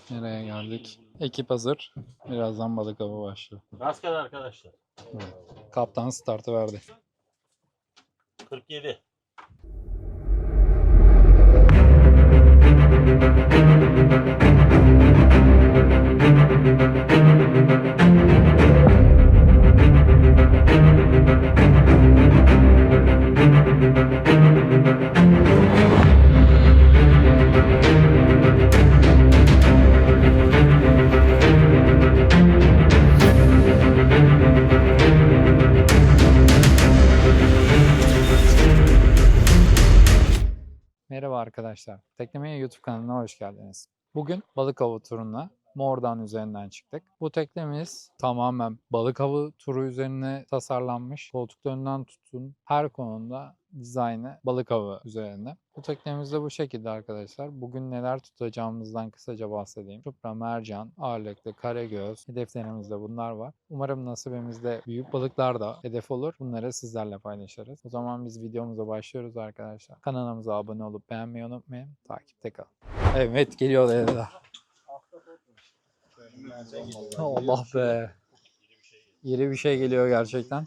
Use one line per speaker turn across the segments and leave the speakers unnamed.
Nereye geldik? Ekip hazır. Birazdan balık avı başlıyor.
Rastgele arkadaşlar.
Evet. Kaptan startı verdi.
47.
Merhaba arkadaşlar. Teknemeye YouTube kanalına hoş geldiniz. Bugün balık avı turuna Mordan üzerinden çıktık. Bu teknemiz tamamen balık avı turu üzerine tasarlanmış. Koltuklarından tutun her konuda dizaynı balık avı üzerine. Bu teknemiz de bu şekilde arkadaşlar. Bugün neler tutacağımızdan kısaca bahsedeyim. Çupra, mercan, ağırlıklı, karagöz. Hedeflerimizde bunlar var. Umarım nasibimizde büyük balıklar da hedef olur. Bunları sizlerle paylaşırız. O zaman biz videomuza başlıyoruz arkadaşlar. Kanalımıza abone olup beğenmeyi unutmayın. Takipte kalın. Evet geliyor da. Allah be. İri bir şey geliyor gerçekten.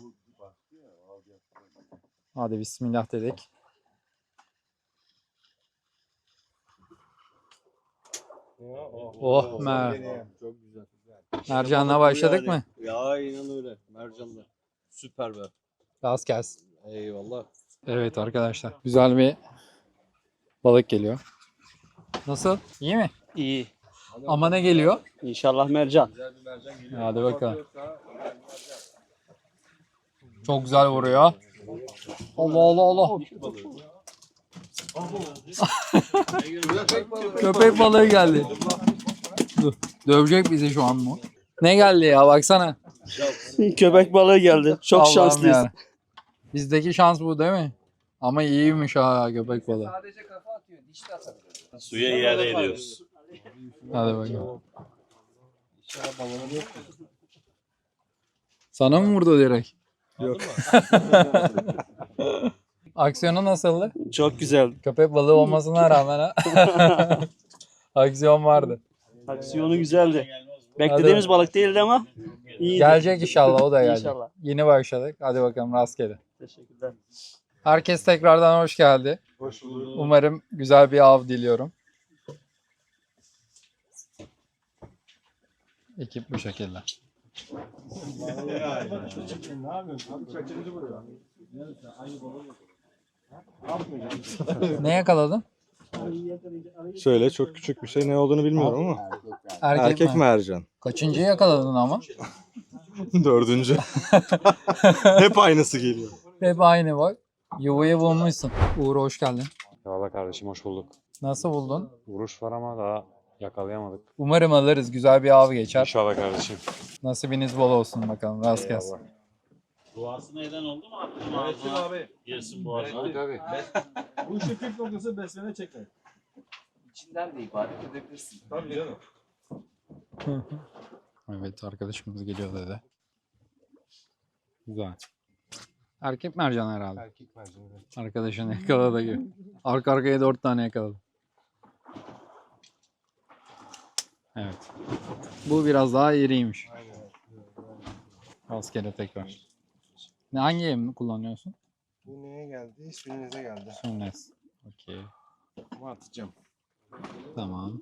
Hadi bismillah dedik. Oh mer.
Çok güzel.
Mercanla başladık mı?
Ya inan öyle. Mercanlar. Süper be.
Rast gelsin.
Eyvallah.
Evet arkadaşlar. Güzel bir balık geliyor. Nasıl? İyi mi?
İyi.
Ama ne geliyor?
İnşallah mercan. Güzel bir mercan geliyor.
Hadi bakalım. Çok güzel vuruyor. Allah Allah Allah. Köpek balığı geldi. Dur. Dövecek bizi şu an mı? Ne geldi ya baksana.
Köpek balığı geldi. Çok
Allah'ım
şanslıyız.
ya. Bizdeki şans bu değil mi? Ama iyiymiş ha köpek balığı.
Sadece kafa atıyor, diş de atabiliyor.
Suya iade ediyoruz.
Hadi bakalım. Sana mı vurdu direkt?
Yok.
Aksiyonu nasıldı?
Çok güzel.
Köpek balığı olmasına rağmen ha. Aksiyon vardı.
Aksiyonu güzeldi. Beklediğimiz balık değildi ama iyiydi.
Gelecek inşallah o da gelecek.
İnşallah.
Yeni başladık. Hadi bakalım rastgele.
Teşekkürler.
Herkes tekrardan hoş geldi.
Hoş bulduk.
Umarım güzel bir av diliyorum. Ekip bu şekilde. Ne yakaladın?
Şöyle çok küçük bir şey, ne olduğunu bilmiyorum ama erkek
mi?
mercan.
Kaçıncı yakaladın ama?
4. Hep aynısı geliyor.
Hep aynı bak. Yuvayı bulmuşsun. Uğur hoş geldin.
Eyvallah kardeşim, hoş bulduk.
Nasıl buldun?
Vuruş var ama daha yakalayamadık.
Umarım alırız. Güzel bir av geçer.
İnşallah kardeşim.
Nasibiniz bol olsun bakalım. Rast gelsin.
Eyvallah.
Duasına eden oldu mu? Attım ağzına.
abi.
Girsin boğazına.
Tabii.
Bu işin püf noktası besleme çekmek.
İçinden de ibadet edebilirsin.
Tabii canım.
Evet arkadaşımız geliyor dedi. Güzel. Erkek mercan herhalde.
Erkek mercan.
Arkadaşını yakaladı gibi. Arka arkaya 4 tane yakaladı. Evet. Bu biraz daha iriymiş. Rastgele tekrar. Hangi yemi kullanıyorsun?
Bu neye geldi? Sünnize geldi.
Sunnes. Okey.
Ama atacağım.
Tamam.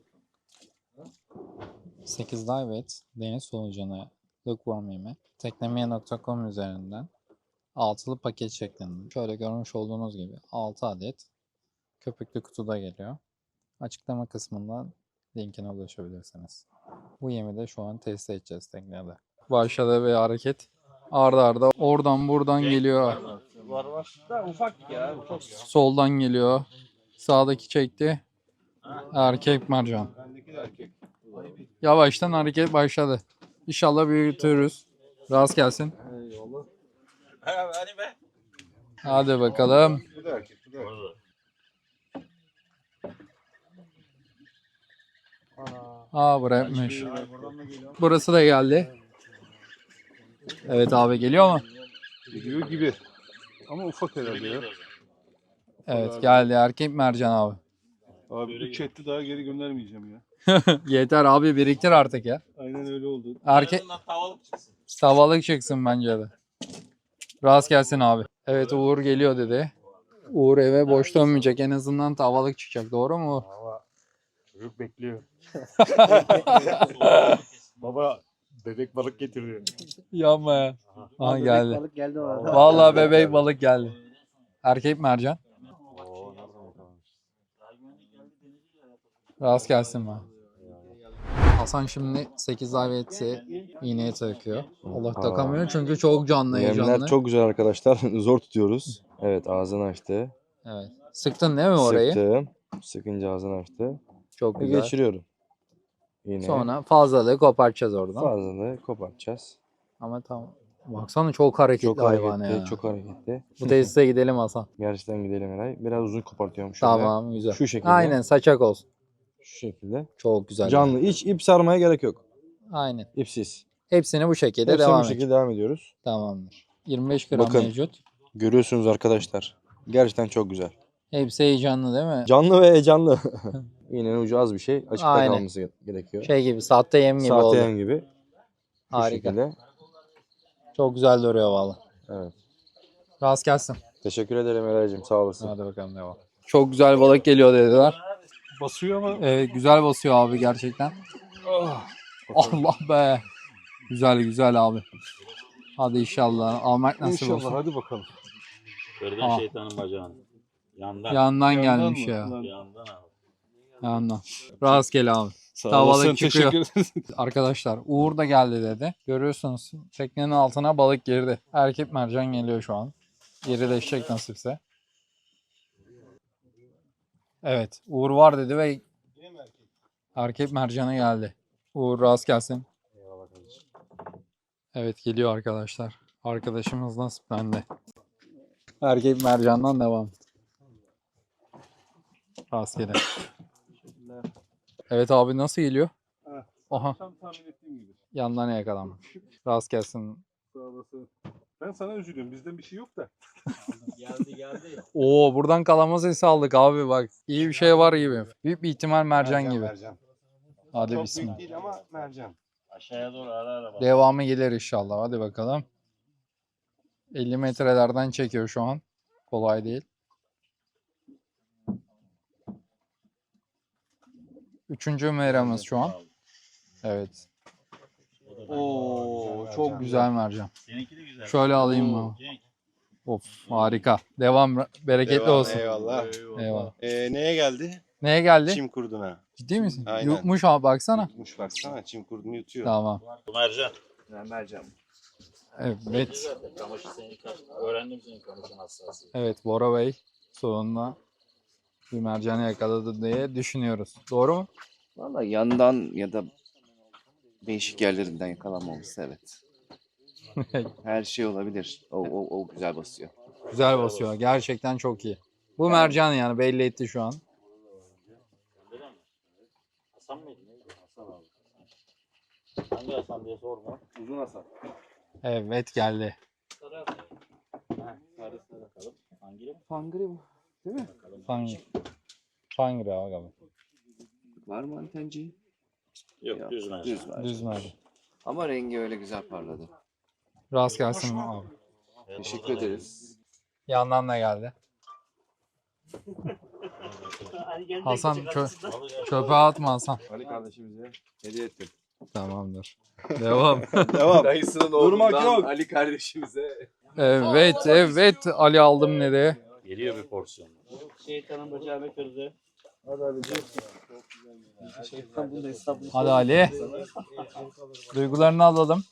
8 dive et. Deniz solucanı. Lookworm yemi. Teknemeye.com üzerinden altılı paket şeklinde. Şöyle görmüş olduğunuz gibi 6 adet köpüklü kutuda geliyor. Açıklama kısmından linkine ulaşabilirsiniz. Bu yemi de şu an test edeceğiz teknede. Başladı bir hareket. Arda arda oradan buradan geliyor.
Var var.
Da ufak ya. Ufak.
Soldan geliyor. Sağdaki çekti. Erkek mercan.
Bendeki de erkek.
Yavaştan hareket başladı. İnşallah büyütürüz. Rast gelsin.
Eyvallah.
Hadi be.
Hadi bakalım.
Bu da erkek. Bu da erkek.
Orada.
Bırakmış. Burası da geldi. Evet abi geliyor mu?
Geliyor gibi. Ama ufak herhalde ya.
Evet geldi erkek mercan abi.
Abi bu chat'i daha geri göndermeyeceğim ya.
Yeter abi, biriktir artık ya.
Aynen öyle oldu.
Erkek
En azından tavalık çıksın.
tavalık çıksın bence de. Rast gelsin abi. Evet, Uğur geliyor dedi. Uğur eve boş dönmeyecek. En azından tavalık çıkacak. Doğru mu?
Valla çocuk bekliyor. Baba bebek balık getirdi.
Yapma ya. Aha geldi.
Balık geldi o arada.
Vallahi bebek balık geldi. Erkek mercan.
Oo nereden yakalamış?
Rast gelsin bana. Hasan şimdi 8 daveti iğneye takıyor. Allah takamıyor çünkü çok canlı, heyecanlı.
Yemler çok güzel arkadaşlar. Zor tutuyoruz. Evet, ağzını açtı.
Evet. Sıktın değil mi orayı?
Sıktım. Sıkınca ağzını açtı.
Çok
Ve
güzel.
geçiriyorum. Yine
Sonra fazlalığı kopartacağız oradan.
fazlalığı kopartacağız.
Ama tamam. Baksana çok hareketli
Çok
hayvan
hareketli,
ya.
çok hareketli.
Bu tesise gidelim Hasan.
Gerçekten gidelim Eray. Biraz uzun kopartıyorum şöyle.
Tamam, güzel.
Şu şekilde.
Aynen, saçak olsun.
Şu şekilde.
Çok güzel.
Canlı. Hiç ip sarmaya gerek yok.
Aynen.
İpsiz.
Hepsini bu şekilde
Hepsini
devam
bu
et.
şekilde devam ediyoruz.
Tamamdır. 25 gram
Bakın.
mevcut.
Görüyorsunuz arkadaşlar. Gerçekten çok güzel.
Hepsi heyecanlı değil mi?
Canlı ve heyecanlı. İğnenin ucu az bir şey. Açıkta
Aynen.
kalması gerekiyor.
Şey gibi, sahte yem gibi
Sahte
oldu.
yem gibi. Bu
Harika.
şekilde.
Çok güzel duruyor valla.
Evet.
Rast gelsin.
Teşekkür ederim Eray'cığım. Sağ olasın.
Hadi bakalım devam. Çok güzel balık geliyor dediler.
Basıyor ama.
Evet, güzel basıyor abi gerçekten. Allah be. Güzel güzel abi. Hadi inşallah. Almak nasip
İnşallah,
olsun.
hadi bakalım.
Kırdın
Aa.
şeytanın bacağını. Yandan.
Yandan
Yandan
gelmiş
mı?
ya.
Yandan abi.
Yandan. Rastgele abi.
Sağ
Tavalık
olasın.
çıkıyor.
Teşekkür ederim.
Arkadaşlar Uğur da geldi dedi. Görüyorsunuz teknenin altına balık girdi. Erkek mercan geliyor şu an. Gerileşecek nasipse. Evet, Uğur var dedi ve erkek mercanı geldi. Uğur rast gelsin.
Eyvallah kardeşim.
Evet, geliyor arkadaşlar. Arkadaşımız nasiplendi. Erkek mercandan devam. Rastgele. Evet abi, nasıl geliyor? Aha,
Tam tahmin ettiğim gibi.
yandan yakalanmış. Rast gelsin.
Sağ olasın. Ben sana üzülüyorum. Bizden bir şey yok da.
Geldi.
Oo, buradan kalama sesi aldık abi bak. İyi bir şey var gibi. Büyük bir ihtimal mercan gibi.
Mercan.
Hadi
Çok
bismillah.
büyük değil ama mercan.
Aşağıya doğru ara bak.
Devamı gelir inşallah. Hadi bakalım. 50 metrelerden çekiyor şu an. Kolay değil. Üçüncü meramız şu an. Evet. Oo, çok güzel mercan.
Seninki de güzel.
Şöyle alayım mı?
Cenk.
Of, harika. Devam, bereketli olsun.
Eyvallah.
Eyvallah.
Neye geldi?
Neye geldi?
Çim kurduna.
Ciddi misin?
Aynen.
Yutmuş abi, baksana.
Yutmuş baksana. Çim kurdunu yutuyor.
Tamam.
Bu mercan.
Mercan.
Evet.
Kamışı senin öğrendim senin kamışın hassasiyeti.
Evet, Bora Bey sonunda bir mercanı yakaladı diye düşünüyoruz. Doğru mu?
Valla yandan ya da değişik yerlerinden yakalanmaması evet. Her şey olabilir. O güzel basıyor.
Güzel basıyor. Gerçekten çok iyi. Bu mercan yani belli etti şu an.
Hasan mıydı? Neydi? Hasan abi. Hangi Hasan diye sorma.
Uzun Hasan.
Evet, geldi.
Sarısına bakalım. Hangi?
Fangri mi? Değil mi?
Fangri. Fangri abi galiba.
Var mı antenci?
Yok düz mercan.
Düz var.
Düz mercan.
Ama rengi öyle güzel parladı.
Rast gelsin abi.
Teşekkür ederiz.
Yandan da geldi. Hasan çöpe atma Hasan.
Ali kardeşimize hediye ettim.
Tamamdır. Devam.
Devam.
Dayısının
Durmak yok.
Ali kardeşimize.
Evet Ali aldım nereye?
Geliyor bir porsiyon. Şeytanın bacağını kırdı.
Şeytan bunu hesabını
Hadi Ali. Duygularını alalım.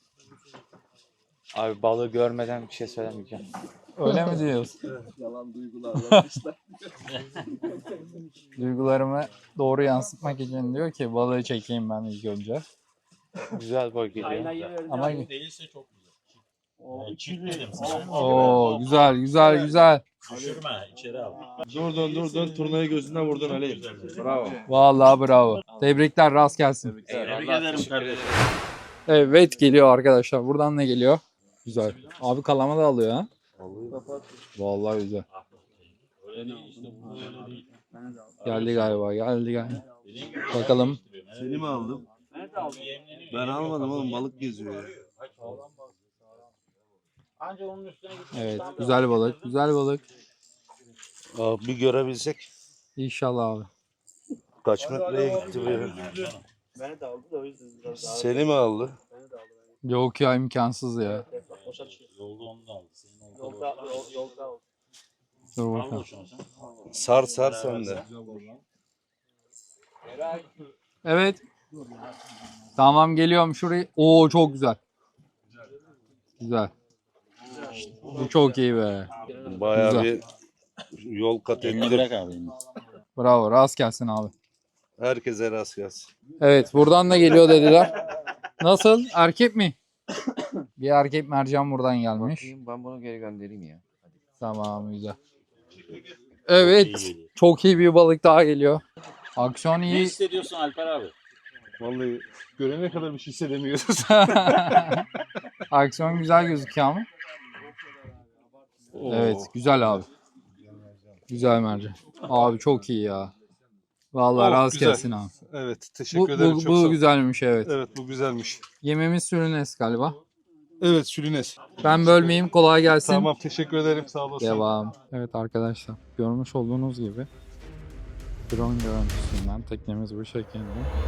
Abi balığı görmeden bir şey söylemeyeceğim.
Öyle mi diyorsun?
yalan duygular yapmışlar.
Duygularımı doğru yansıtmak için diyor ki balığı çekeyim ben ilk önce.
Güzel boy geliyor.
Ama
Değilse çok güzel. Çift dedim sana.
Oo, güzel.
Düşürme içeri al.
Dur. Turnayı gözünden vurdun Ali. Bravo.
Vallahi bravo. Tebrikler, rast gelsin.
Tebrik ederim kardeşim.
Evet, geliyor arkadaşlar. Buradan ne geliyor? Güzel. Abi kalama da alıyor ha. Vallahi güzel.
Öyle değil işte bu öyle değil.
Geldi galiba.
Dediğin gibi
Bakalım.
Seni mi aldım? Ben almadım oğlum, balık geziyor ya.
Anca onun üstüne gitmek
Evet,
daha
güzel balık, güzel balık.
Bir görebilsek.
İnşallah abi.
Kaç metreye gitti böyle?
Beni de aldı da o yüzden biraz daha.
Seni mi aldı?
Beni de aldı.
Yok ya, imkansız ya.
Boşa düşüyor.
Yolda onu da aldı. Senin
Yolda aldı.
Dur
Al
bakalım.
şunu sen.
Sar sen de.
Evet. Tamam, geliyorum şurayı. Oo, çok güzel. Güzel. Bu çok iyi be.
Bayağı
Güzel.
bir yol kat
Elini
ettim.
bırak abi. elini.
Bravo, rast gelsin abi.
Herkese rast gelsin.
Evet, buradan da geliyor dediler. Nasıl? Erkek mi? Bir erkek mercan buradan gelmiş.
Bakayım, ben bunu geri göndereyim ya.
Tamam, güzel.
İyi
Evet,
geliyor.
çok iyi bir balık daha geliyor. Aksiyon
Ne
iyi.
hissediyorsun Alper abi?
Vallahi görene kadar bir şey hissedemiyoruz.
Aksiyon güzel gözüküyor ama. Evet, güzel abi. Güzel mercan. Abi çok iyi ya. Vallahi
Oh,
rast
güzel.
gelsin abi.
Evet, teşekkür
Bu,
ederim.
bu,
Çok sağ
bu
ol.
güzelmiş, evet.
Evet, bu güzelmiş.
Yememiz sürünes galiba.
Evet, Sülünes.
Ben bölmeyeyim, kolay gelsin.
Tamam, teşekkür ederim. Sağ olasın.
Devam. Evet arkadaşlar, görmüş olduğunuz gibi drone görüntüsünden teknemiz bu şekilde.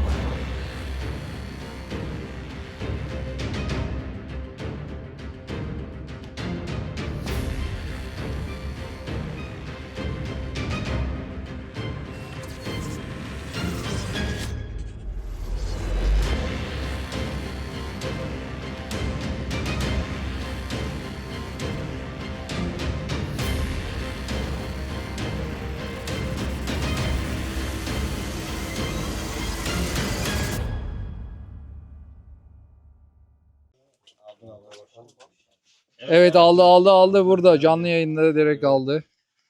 Evet, aldı burada. Canlı yayında direkt aldı.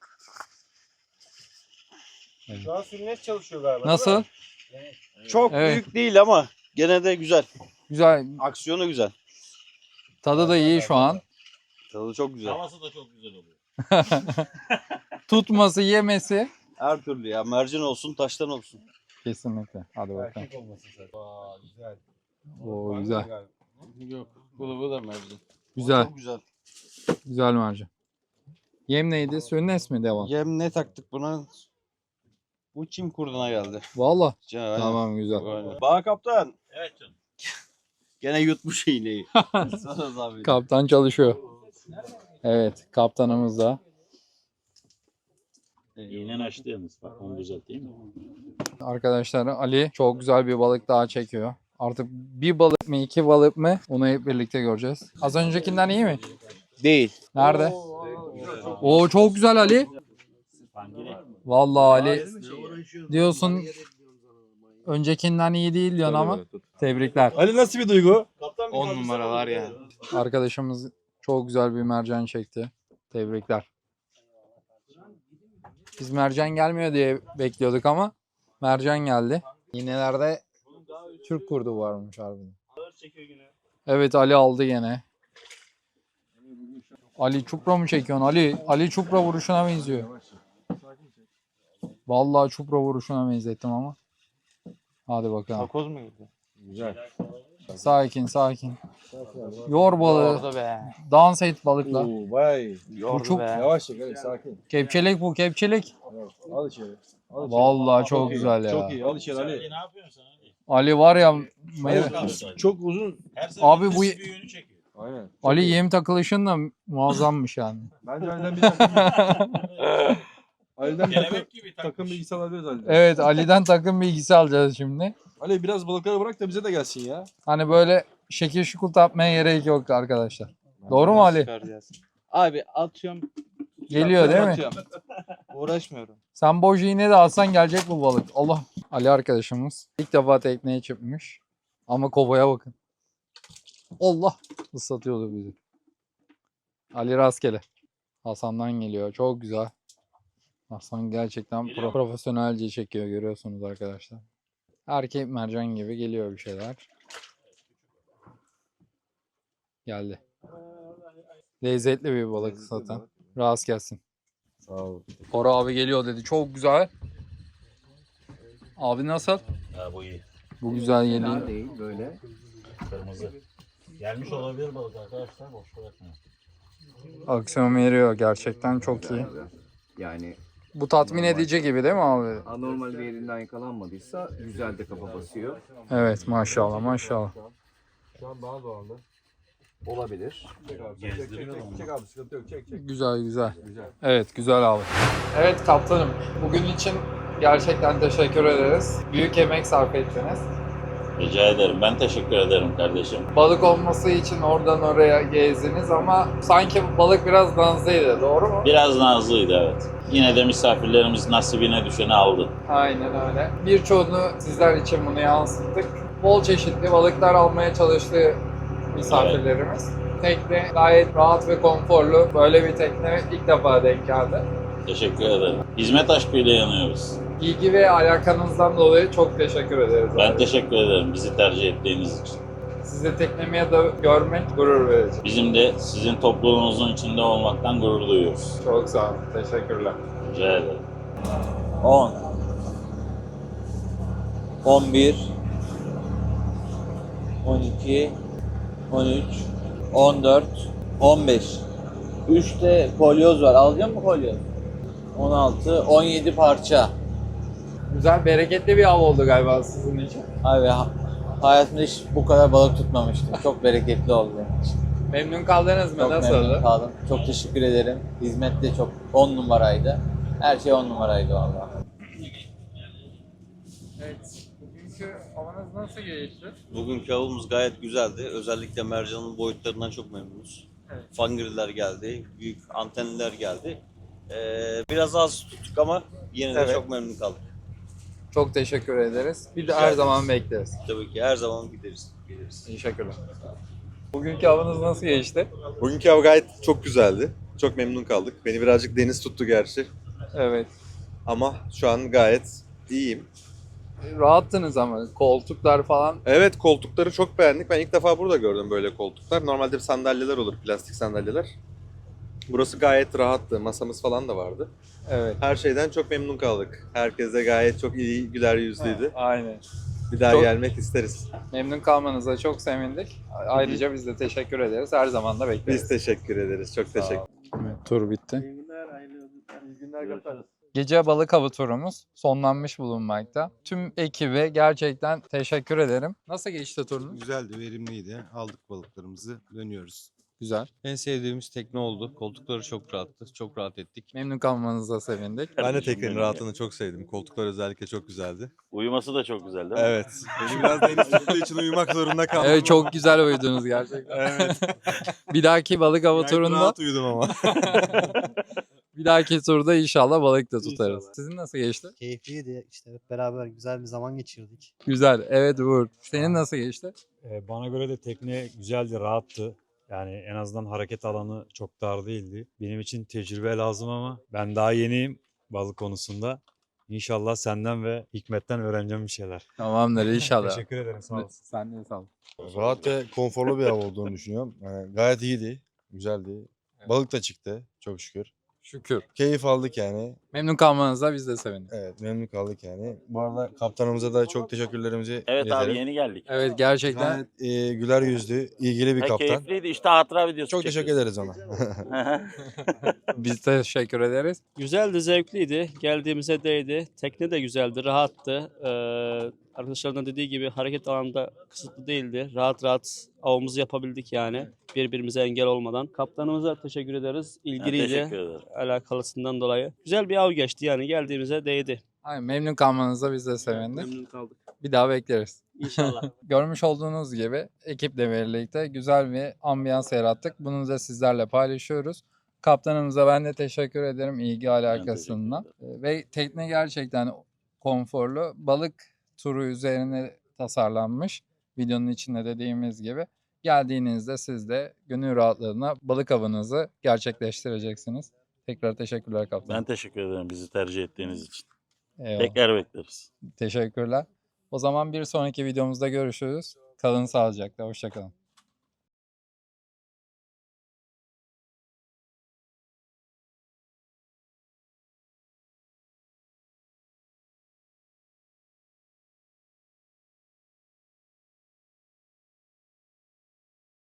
Şu an sürünes çalışıyor galiba.
Nasıl?
Çok
Evet.
büyük değil ama gene de güzel.
Güzel.
Aksiyonu güzel.
Tadı da iyi şu an.
Tadı çok güzel.
Havası da çok güzel oluyor.
Tutması, yemesi.
Her türlü ya. Mercan olsun, taştan olsun.
Kesinlikle. Hadi bakalım.
Güzel.
Oo, güzel.
Yok. Bu da mercan.
Güzel.
Çok güzel.
Güzel mercan. Yem neydi? Sönnes mi devam?
Yem ne taktık buna? Bu çim kurduna geldi.
Valla.
Aynen.
Tamam, güzel.
Aynen. Bağ kaptan.
Evet canım.
Gene yutmuş iğneyi. Sana zahmet.
Kaptan çalışıyor. Evet, kaptanımız da.
İğnen açtı yalnız. Bak onu düzelt değil mi?
Arkadaşlar, Ali çok güzel bir balık daha çekiyor. Artık bir balık mı, iki balık mı, onu hep birlikte göreceğiz. Az öncekinden iyi mi?
Değil.
Nerede? Oo, çok güzel Ali.
Pangire.
Vallahi Ali diyorsun, öncekinden iyi değil diyorsun ama tebrikler.
Ali, nasıl bir duygu?
10 numara var ya.
Arkadaşımız çok güzel bir mercan çekti. Tebrikler. Biz mercan gelmiyor diye bekliyorduk ama mercan geldi. İğnelerde Türk kurdu varmış harbiden. Evet, Ali aldı gene. Ali çupra mı çekiyorsun? Ali çupra vuruşuna benziyor. Vallahi çupra vuruşuna benzettim ama. Hadi bakalım.
Takoz mu girdi?
Sakin. Yor balığı.
Orada be.
Dans et balıkla.
Vay.
Yordu
çok-
be.
Yavaş çek, hadi sakin.
Kepçelik bu, kepçelik.
Al içeri.
Vallahi çok güzel ya.
Çok iyi, al içeri Ali.
Ne yapıyorsun sen Ali?
Ali var ya,
Çok uzun.
Her
Abi
seferinde
bu-
bir yönü çekiyor.
Aynen.
Ali yem takılışın da muazzammış yani.
Bence Ali'den bir takım. Ali'den bir
Kelebek gibi
takım bilgisi alabiliriz Ali'den.
Evet, Ali'den takım bilgisi alacağız şimdi.
Ali, biraz balıkları bırak da bize de gelsin ya.
Hani böyle şekil şukul yapmaya gerek yok arkadaşlar. Doğru mu Ali?
Abi atıyorum.
Geliyor değil mi?
Atıyorum. Uğraşmıyorum.
Sen boş iğne de alsan gelecek bu balık. Allah. Ali arkadaşımız ilk defa tekneye çıkmış. Ama kovaya bakın. Allah. Islatıyordu bizi. Ali rastgele. Hasan'dan geliyor. Çok güzel. Hasan gerçekten profesyonelce çekiyor, görüyorsunuz arkadaşlar. Erkek mercan gibi geliyor bir şeyler. Geldi. Lezzetli bir balık zaten. Rast gelsin.
Sağ ol.
Koro abi geliyor dedi. Çok güzel. Abi nasıl?
Ha bu iyi.
Bu güzel
Fena
geliyor.
değil böyle.
Kırmızı. Gelmiş olabilir balık arkadaşlar. Boş bırakmayın.
Aksiyon veriyor. Gerçekten çok iyi.
Yani
Bu tatmin edici gibi değil mi abi?
anormal bir yerinden yakalanmadıysa güzel de kafa basıyor.
Evet, maşallah maşallah.
Olabilir.
Güzel güzel. Evet, güzel abi. Evet kaptanım, bugün için gerçekten teşekkür ederiz. Büyük emek sarf ettiniz.
Rica ederim. Ben teşekkür ederim kardeşim.
Balık olması için oradan oraya gezdiniz ama sanki balık biraz nazlıydı, doğru mu?
Biraz nazlıydı evet. Yine de misafirlerimiz nasibine düşeni aldı.
Aynen öyle. Birçoğunu sizler için bunu yansıttık. Bol çeşitli balıklar almaya çalıştı misafirlerimiz. Tekne gayet rahat ve konforlu. Böyle bir tekne ilk defa denk geldi.
Teşekkür ederim. Hizmet aşkıyla yanıyoruz.
İlgi ve alakanızdan dolayı çok teşekkür ederiz.
Ben
abi.
teşekkür ederim bizi tercih ettiğiniz için.
Sizi teknemeye de görmek gurur verici.
Bizim de sizin topluluğunuzun içinde olmaktan gurur duyuyoruz.
Çok sağ olun. Teşekkürler.
Rica ederim.
10 11 12 13 14 15 3 de kolyoz var. Alacak mısın kolyoz? 16 17 parça.
Güzel, bereketli bir av oldu galiba sizin için.
Abi hayatımda hiç bu kadar balık tutmamıştım. Çok bereketli oldu benim için.
Memnun kaldınız mı?
Çok memnun
Nasıldı?
kaldım. Çok teşekkür ederim. Hizmet de çok 10 numaraydı. Her şey 10 numaraydı vallahi.
Evet. Bugünkü avanız nasıl geçti?
Bugünkü avımız gayet güzeldi. Özellikle mercanın boyutlarından çok memnunuz.
Evet.
Fangirler geldi, büyük antenliler geldi. Biraz az tuttuk ama yine de
Evet.
çok memnun kaldık.
Çok teşekkür ederiz. Bir de
Rica
her
ederiz.
zaman bekleriz.
Tabii ki her zaman geliriz.
Teşekkürler. Bugünkü avınız nasıl geçti?
Bugünkü av gayet çok güzeldi. Çok memnun kaldık. Beni birazcık deniz tuttu gerçi.
Evet.
Ama şu an gayet iyiyim.
Rahattınız ama koltuklar falan.
Evet, koltukları çok beğendik. Ben ilk defa burada gördüm böyle koltuklar. Normalde sandalyeler olur, plastik sandalyeler. Burası gayet rahattı. Masamız falan da vardı.
Evet.
Her şeyden çok memnun kaldık. Herkes de gayet çok iyi, güler yüzlüydü.
Aynen.
Bir daha
Çok-
gelmek isteriz.
Memnun kalmanıza çok sevindik. Ayrıca biz de teşekkür ederiz. Her zaman da bekleriz.
Biz teşekkür ederiz. Çok teşekkür
Evet, tur bitti.
İyi günler kaptanım.
Gece balık avı turumuz sonlanmış bulunmakta. Tüm ekibe gerçekten teşekkür ederim. Nasıl geçti turunuz?
Güzeldi, verimliydi. Aldık balıklarımızı, dönüyoruz.
Güzel.
En sevdiğimiz tekne oldu. Koltukları çok rahattı, çok rahat ettik.
Memnun kalmanıza sevindik.
Ben de
Kardeşim
teknenin
benim
rahatını çok sevdim. Koltuklar özellikle çok güzeldi.
Uyuması da çok güzel değil mi?
Evet. Beni biraz deniz tuttuğu için uyumak zorunda kaldım.
Evet, çok güzel uyudunuz gerçekten.
Evet.
Bir dahaki balık avı
Gayet
turunda,
rahat uyudum ama.
bir dahaki turda inşallah balık da tutarız. Sizin nasıl geçti?
Keyifliydi. İşte hep beraber güzel bir zaman geçirdik.
Güzel. Evet Uğur. Senin nasıl geçti?
Bana göre de tekne güzeldi, rahattı. Yani en azından hareket alanı çok dar değildi. Benim için tecrübe lazım ama ben daha yeniyim balık konusunda. İnşallah senden ve Hikmet'ten öğreneceğim bir şeyler.
Tamamdır inşallah.
Teşekkür ederim, sağ olasın.
Sen de sağ ol.
Rahat ve konforlu bir av olduğunu düşünüyorum. Yani gayet iyiydi. Güzeldi. Balık da çıktı çok şükür.
Şükür.
Keyif aldık yani.
Memnun kalmanıza biz de sevindik.
Evet, memnun kaldık yani. Bu arada kaptanımıza da çok teşekkürlerimizi
Evet
iletelim.
abi yeni geldik.
Evet gerçekten
Gayet güler yüzlü, ilgili bir
Ve
kaptan.
keyifliydi. İşte hatıra videosu
Çok teşekkür ederiz ona.
biz teşekkür ederiz.
Güzeldi, zevkliydi. Geldiğimize değdi. Tekne de güzeldi, rahattı. Arkadaşlarımın dediği gibi hareket alanında kısıtlı değildi. Rahat rahat avımızı yapabildik yani. Birbirimize engel olmadan. Kaptanımıza teşekkür ederiz.
Ben
İlgiliyle
teşekkür ederim.
alakalısından dolayı. Güzel bir av geçti yani. Geldiğimize değdi.
Aynen, memnun kalmanıza biz de sevindik.
Memnun kaldık.
Bir daha bekleriz.
İnşallah.
Görmüş olduğunuz gibi ekiple birlikte güzel bir ambiyans yarattık. Bunu da sizlerle paylaşıyoruz. Kaptanımıza ben de teşekkür ederim ilgi alakasından. Ve tekne gerçekten konforlu. Balık turu üzerine tasarlanmış. Videonun içinde dediğimiz gibi. Geldiğinizde siz de gönül rahatlığına balık avınızı gerçekleştireceksiniz. Tekrar teşekkürler kaptanım.
Ben teşekkür ederim bizi tercih ettiğiniz için.
Eyvallah.
Tekrar bekleriz.
Teşekkürler. O zaman bir sonraki videomuzda görüşürüz. Kalın sağlıcakla. Hoşça kalın.